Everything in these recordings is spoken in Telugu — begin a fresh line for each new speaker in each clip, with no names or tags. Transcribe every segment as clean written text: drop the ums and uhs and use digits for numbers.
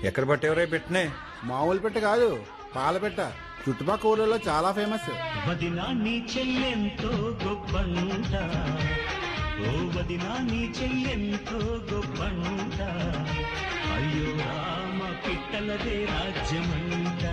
ఎక్కడ పట్టేవరే పెట్టినే?
మామూలు పెట్ట కాదు, పాల పెట్ట. చుట్టుపక్కల ఊళ్ళలో చాలా ఫేమస్.
వదినా నీ చెల్లెంతో గొప్పంట, ఓ వదినా నీ చెల్లెంతో గొప్పంట, అయ్యో రామ పిట్టలదే రాజ్యమంట.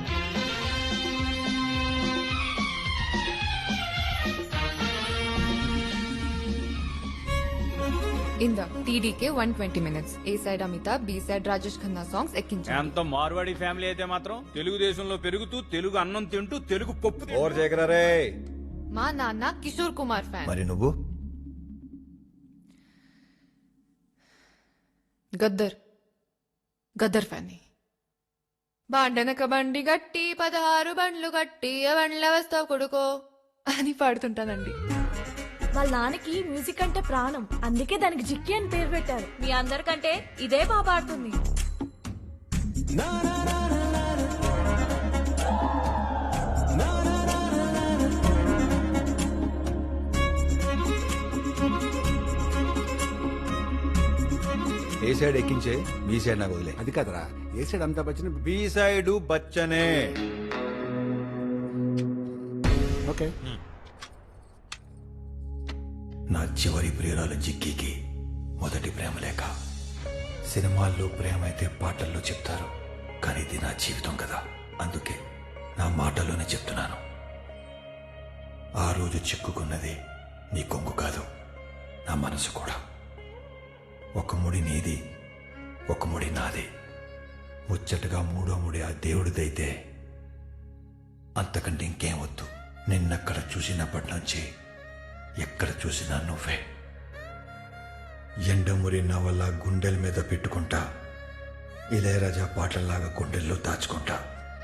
ఇందా టీడీకే 120 minutes. A side Amitabh, B side Rajesh Khanna songs ఎక్కించారు.
ఎంత మార్వాడి ఫ్యామిలీ అయితే మాత్రం తెలుగుదేశంలో పెరుగుతూ తెలుగు అన్నం తింటూ తెలుగు పప్పు
ఓవర్ చేయకరా రే.
మా నాన్న కిషోర్ కుమార్ ఫ్యాన్.
మరి నువ్వు?
గద్దర్ ఫ్యాన్. బాండనక బండి గట్టి 16 బండ్లు గట్టి బండ్ల వస్తావు కొడుకో అని పాడుతుంటానండి.
వాళ్ళ నాన్నకి మ్యూజిక్ అంటే ప్రాణం, అందుకే దానికి జిక్కి అని పేరు పెట్టారు. మీ అందరికంటే ఇదే బాగా పాడుతుంది.
ఏ సైడ్ ఎక్కించే, బి సైడ్ నాకు వదిలే.
అది కదరా, A side Amitabh Bachchan.
B side బచ్చనే.
ఓకే.
నా చివరి ప్రియురాలు జిక్కీకి మొదటి ప్రేమ లేక. సినిమాల్లో ప్రేమ అయితే పాటల్లో చెప్తారు, కానీ ఇది నా జీవితం కదా, అందుకే నా మాటల్లోనే చెప్తున్నాను. ఆ రోజు చిక్కుకున్నది నీ కొంగు కాదు, నా మనసు కూడా. ఒక ముడి నీది, ఒక ముడి నాది. ముచ్చటగా మూడో ముడి ఆ దేవుడిదైతే అంతకంటే ఇంకేం వద్దు. నిన్నక్కడ చూసినప్పటి నుంచి ఎక్కడ చూసినా నువ్వే. ఎండమురి నవల గుండెల మీద పెట్టుకుంటా, ఇళయరాజా పాటల్లాగా గుండెల్లో దాచుకుంటా.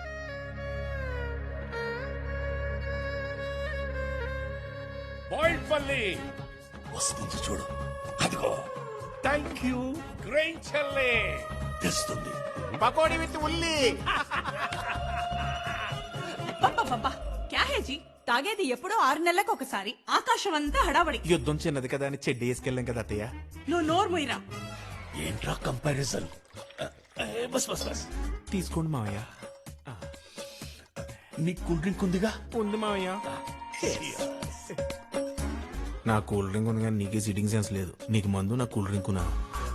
వస్తుంది చూడు, అదిగో. Thank you. గ్రేట్ చెల్లే తెస్తుంది పకోడీ విత్ ఉల్లి.
క్యా హే జీ, తాగేది ఎప్పుడో 6 నెలలకు ఒకసారి. ఆకాశం అంతా హడావడి.
యుద్ధం చిన్నది కదా అని చెడ్డి వేసుకెళ్ళాం కదా అత్తయ్య.
నువ్వు నోరు మొయ్యరా.
ఏంట్రా కంపారిజన్? బస్ బస్ బస్
తీసుకోండి మావయ్య.
నీ కూల్ డ్రింక్ ఉందిగా?
ఉంది మావయ్య. నా కూల్ డ్రింక్ ఉంది కానీ నీకే సిట్టింగ్ సెన్స్ లేదు. నీకు మందు, నా కూల్ డ్రింక్ నా.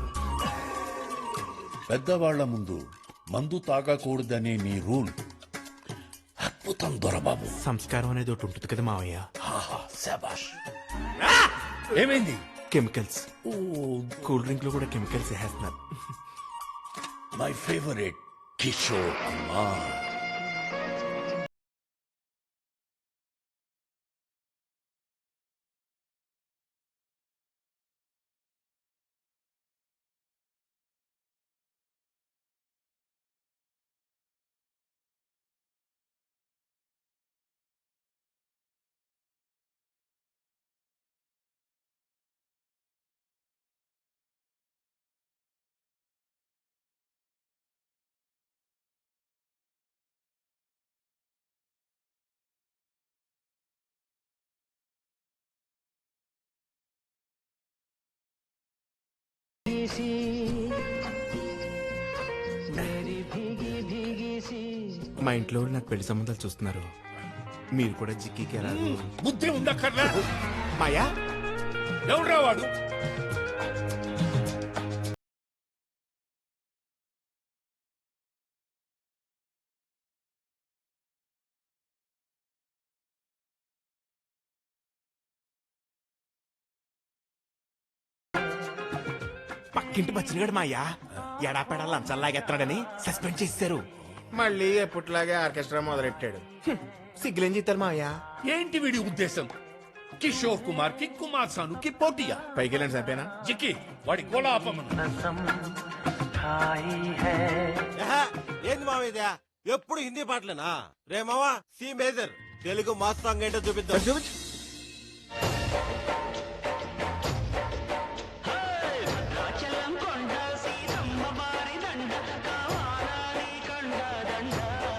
పెద్దవాళ్ల ముందు మందు తాగకూడదనే నీ రూల్ అద్భుతం దొరబాబు.
సంస్కారం అనేది ఒకటి ఉంటుంది కదా మావయ్య.
శాబాష్. ఏమైంది?
కెమికల్స్. కూల్ డ్రింక్ లో కూడా కెమికల్స్ వేస్తున్నారు.
My favourite Kishore Kumar.
మా ఇంట్లో వాళ్ళు నాకు పెళ్లి సంబంధాలు చూస్తున్నారు. మీరు కూడా జిక్కికి ఎలా?
బుద్ధి ఉందక్కర్లా.
మాయా
ఎవడ్రా వాడు?
పక్కింటి బచ్చినగాడు మాయా ఎడాపెడా లంచాలాగెత్తాడని సస్పెండ్ చేశారు. మళ్ళీ ఎప్పట్లాగే ఆర్కెస్ట్రా మొదలెట్టాడు. సిగ్గులేం చేస్తారు మాయా?
ఏంటి వీడి ఉద్దేశం? కిషోర్ కుమార్ కి కుమార్ సాను కి పోటీయా?
పైకి వెళ్ళండి సరిపోయినా.
జిక్కి వాడి గోళ ఆపమను.
ఏంది మావ ఇదే? ఎప్పుడు హిందీ పాటలేనా? రే మావా, C major Telugu mass song ఏంటో చూపిద్దాం.
చూపించు.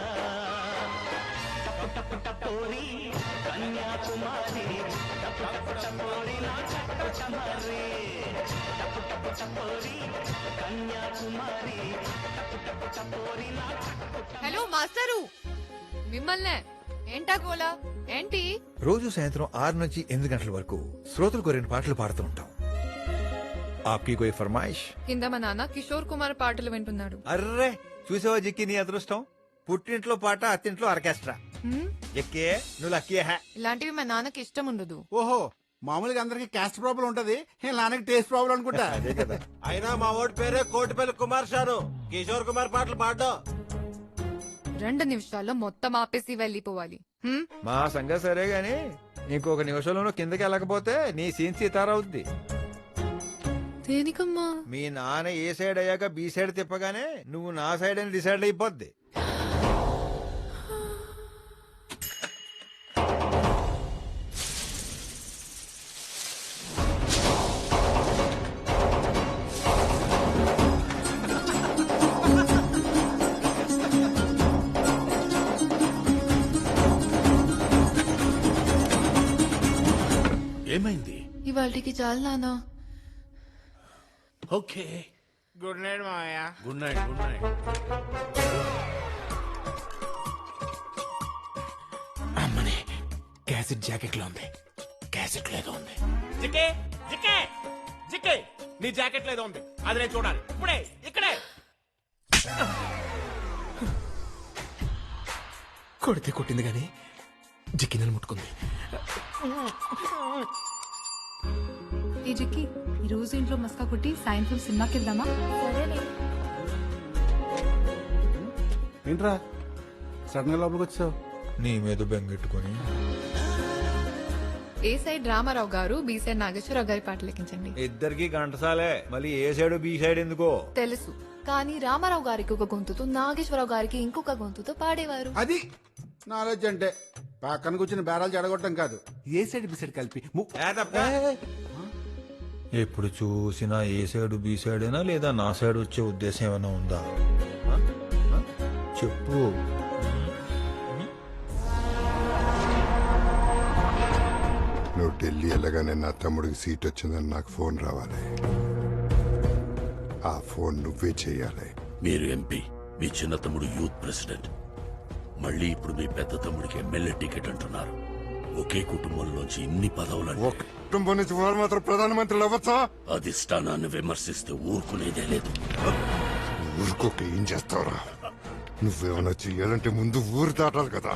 కన్యాకుమారి
హలో మాస్టరు, మిమ్మల్నే. ఏంటా గోలా ఏంటి?
రోజు సాయంత్రం 6 నుంచి 8 గంటల వరకు శ్రోతలు కోరిన పాటలు పాడుతూ ఉంటాం. ఆప్కి కోయి ఫర్మాయిష్?
కింద మా నాన్న కిషోర్ కుమార్ పాటలు వింటున్నాడు.
అర్రే చూసావా జిక్కి నీ అదృష్టం. పుట్టింట్లో పాట, అత్తింట్లో ఆర్కెస్ట్రా.
హ్మ్?
ఎక్కే నువ్వు లక్కీ హే.
ఇలాంటివి మా నాన్నకి ఇష్టం ఉండదు.
ఓహో, మామూలుగా అందరికి క్యాస్ట్ ప్రాబ్లం ఉంటది, ఈ నాన్నకి టేస్ట్ ప్రాబ్లం అనుకుంటా.
అదే కదా.
అయినా మా ఓడి పేరే కోటిపల్లి కుమార్ షాను. కిషోర్ కుమార్ పాటలు పాడడం
2 నిమిషాల్లో మొత్తం ఆపేసి వెళ్ళిపోవాలి. హ్మ్?
మా సంగతి సరే గాని ఇంకొక నిమిషంలోనూ కిందకి వెళ్ళకపోతే నీ సీన్ సీతారవుద్ది.
దేనికమ్మా?
మీ నాన్న ఏ సైడ్ అయ్యాక బి సైడ్ తిప్పగానే నువ్వు నా సైడ్ అని డిసైడ్ అయిపోద్ది.
ఏమైంది?
ఇవాళకి చాలు నాన్న.
ఓకే,
గుడ్ నైట్ మామయ్య.
Good night. Good night.
అమ్మని క్యాసెట్ జాకెట్ లో ఉంది. క్యాసెట్ లేదో ఉంది.
జికే జికే జికే, నీ జాకెట్ లేదో ఉంది. అది నేను చూడాలి ఇప్పుడే, ఇక్కడే.
కొడితే కొట్టింది గాని జిక్కినలు ముట్టుకుంది.
ఈ జిక్కి ఈ రోజు ఇంట్లో మస్కా కొట్టి సాయంత్రం సినిమాకి వెళ్దామా?
సరేనే.
ఏంట్రా సడన్ గా లోపలికి వచ్చావు?
నీ మీద బెంగెట్టుకుని
ఏ సైడ్ రామారావు గారు, బి సైడ్ నాగేశ్వరరావు గారి పాటలు లెక్కించండి.
ఇద్దరికి గంటసాలే. మళ్ళీ ఏ సైడ్ బి సైడ్ ఎందుకో
తెలుసు, కానీ రామారావు గారికి ఒక గొంతుతో, నాగేశ్వరరావు గారికి ఇంకొక గొంతుతో పాడేవారు.
అది నాలెడ్జ్ అంటే పక్కన కూర్చుని బేరాలు చెడగొట్టడం కాదు, ఏ సైడ్ బి సైడ్ కలిపి
ఎప్పుడు చూసినా ఏ సైడ్ బి సైడ్ అయినా లేదా నా సైడ్ వచ్చే ఉద్దేశం ఏమైనా ఉందా? ఆ? ఆ? చెప్పు.
నువ్వు ఢిల్లీ వెళ్ళగానే నా తమ్ముడికి సీట్ వచ్చిందని నాకు ఫోన్ రావాలి. ఆ ఫోన్ నువ్వే చేయాలి.
మీరు ఎంపీ, మీ చిన్న తమ్ముడు యూత్ ప్రెసిడెంట్. మళ్ళీ ఇప్పుడు మీ పెద్ద తమ్ముడికి ఎమ్మెల్యే టికెట్ అంటున్నారు. ఒకే కుటుంబంలోంచి ఇన్ని పదవులు.
ఒక కుటుంబం నుంచి వారు మాత్రం ప్రధానమంత్రులు అవ్వచ్చా?
అధిష్టానాన్ని విమర్శిస్తే ఊరుకునేదే లేదు.
ఊరుకోక ఏం చేస్తావురా? నువ్వేమన్నా చెయ్యాలంటే ముందు ఊరు దాటాలి కదా.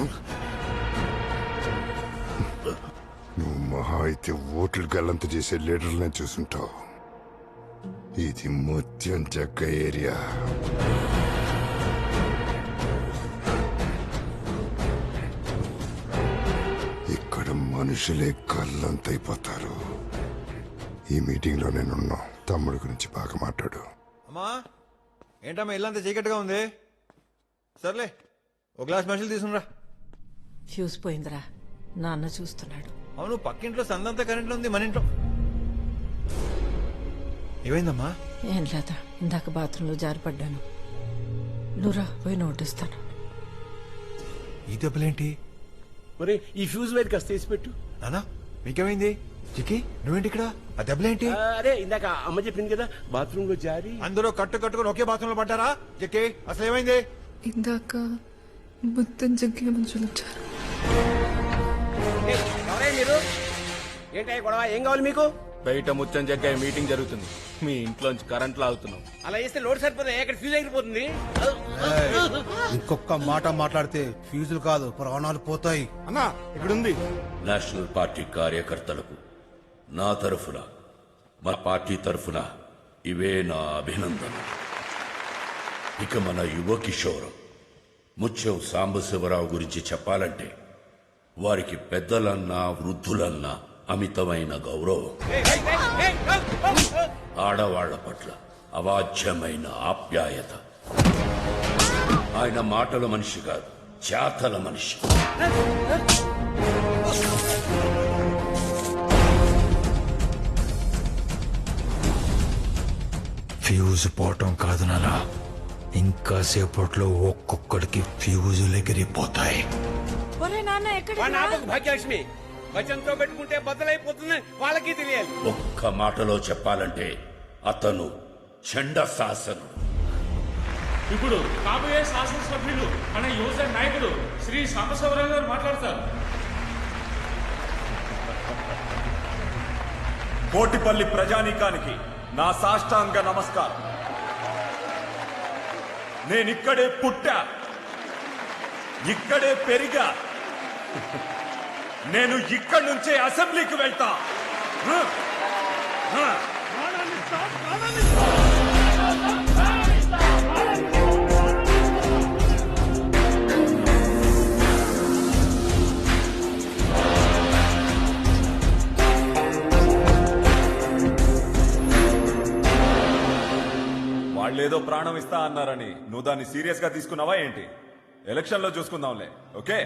నువ్వు మహా అయితే ఓట్లు గల్లంత చేసే లీడర్లనే చూసుంటావు. ఇది ముత్యం జగ్గ ఏరియా. ఇక్కడ మనుషులే కళ్ళంతైపోతారు. ఈ మీటింగ్ లో నేనున్నా. తమ్ముడి గురించి బాగా మాట్లాడు.
అమ్మా ఏంటమ్మా ఇల్లంతా చీకటిగా ఉంది. సర్లే ఒక గ్లాస్ మనుషులు తీసుకురా.
ఫ్యూజ్ పోయిందిరా, నాన్న చూస్తున్నాడు.
అవును, పక్కింట్లో సందంతా కరెంట్లో ఉంది, మన ఇంట్లో ఏమైందమ్మా?
ఏం లేదా, ఇందాక బాత్రూంలో జారిపడ్డాను. నువ్వురా పోయి నోటిస్తాను.
ఈ దెబ్బలేంటి?
మరి ఈ ఫ్యూజ్ వైర్ కాస్త తీసి పెట్టు.
నానా మీకేమైంది? చిక్కి నువ్వేంటి ఇక్కడ? ఆ దెబ్బలేంటి?
అరే ఇందాక అమ్మ చెప్పింది కదా, బాత్రూమ్ లో జారి.
అందరూ కట్టుకొని ఒకే బాత్రూమ్ లో పడ్డారా? చిక్కి అసలు ఏమైంది?
ఇందాక మొత్తం జగ్గిన మనుషులు వచ్చారు.
మీరు ఏంటి గొడవ? ఏం కావాలి మీకు?
బయట ముచ్చం జగ్గాయి మీటింగ్ జరుగుతుంది. మీ ఇంట్లోంచి కరెంట్ లాగుతున్నాం.
అలా చేస్తే లోడ్ సరిపోతుంది, ఎక్కడ ఫ్యూజ్ ఎగిరిపోతుంది.
ఇంకొక మాట మాట్లాడితే ఫ్యూజులు కాదు ప్రాణాలు పోతాయి.
అన్నా ఇక్కడుంది.
నేషనల్ పార్టీ కార్యకర్తలకు నా తరఫున, మా పార్టీ తరఫున ఇవే నా అభినందన. ఇక మన యువ కిషోరం ముత్యం సాంబశివరావు గురించి చెప్పాలంటే వారికి పెద్దలన్నా వృద్ధులన్నా అమితమైన గౌరవం. ఆడవాళ్ల పట్ల అవాచ్యమైన ఆప్యాయత. ఆయన మాటల మనిషి కాదు, చేతల మనిషి.
ఫ్యూజ్ పోవటం కాదు నానా, ఇంకా సేపట్లో ఒక్కొక్కడికి ఫ్యూజులు ఎగిరిపోతాయి.
ఒరే నాన్న ఎక్కడ?
భాగ్యలక్ష్మి
వచనంతో పెట్టుకుంటే బద్దలైపోతుంది వాళ్ళకి తెలియాలి.
ఒక్క మాటలో చెప్పాలంటే అతను చండ శాసనుడు.
ఇప్పుడు కాబోయే శాసనసభ్యులు మన యువజన నాయకుడు శ్రీ సాంబశివరావు గారు మాట్లాడతారు.
కోటిపల్లి ప్రజానీకానికి నా సాష్టాంగ నమస్కారం. నేనిక్కడే పుట్టా, ఇక్కడే పెరిగా. నేను ఇక్కడి నుంచే అసెంబ్లీకి వెళ్తా. వాళ్ళేదో ప్రాణం ఇస్తా అన్నారని నువ్వు దాన్ని సీరియస్ గా తీసుకున్నావా ఏంటి? ఎలక్షన్ లో చూసుకుందాంలే. ఓకే,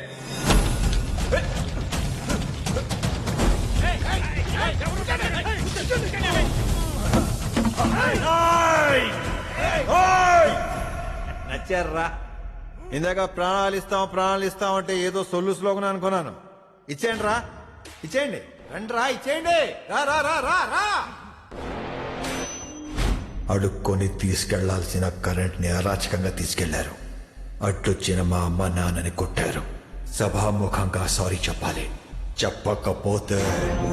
నచ్చారా? ఇందాక ప్రాణాలు ఇస్తాం అంటే ఏదో సొల్లు స్లోగన్ అనుకున్నాను. ఇచ్చేయండి రా, ఇచ్చేయండి, రండి రా, ఇచ్చేయండి. రా రా రా రా రా. అడుక్కొని తీసుకెళ్లాల్సిన కరెంట్ ని అరాచకంగా తీసుకెళ్లారు. అడ్డొచ్చిన మా అమ్మ నాన్నని కొట్టారు. సభాముఖంగా సారీ చెప్పాలి. చెప్పకపోతే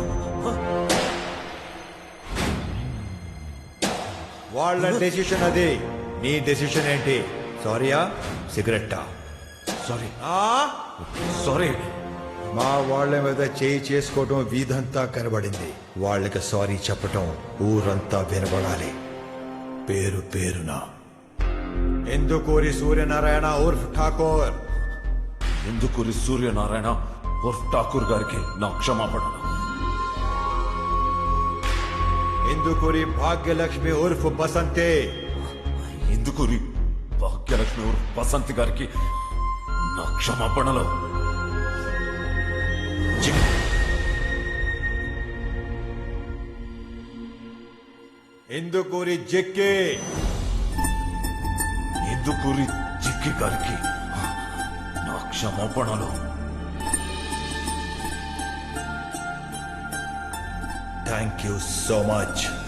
వాళ్ళ డెసిషన్ అది. నీ డెసిషన్ ఏంటి? సారీయా, సిగరెట్టా?
Sorry sorry.
మా వాళ్ళ మీద చేయి చేసుకోవటం వీధంతా కనబడింది. వాళ్ళకి సారీ చెప్పటం ఊరంతా వినబడాలి. పేరు పేరున ఎందుకూరి సూర్యనారాయణ ఉర్ఫ్ ఠాకూర్.
ఎందుకూరి సూర్యనారాయణ ఉర్ఫ్ ఠాకూర్ గారికి నా క్షమాపణ.
ఎందుకూరి భాగ్యలక్ష్మి ఉర్ఫ్ బసంతే.
ఎందుకూరి భాగ్యలక్ష్మి ఉర్ఫ్ బసంతి గారికి నా క్షమాపణలు.
ఎందుకూరి జిక్కి.
ఎందుకూరి జిక్కి గారికి నా క్షమాపణలు.
Thank you so much.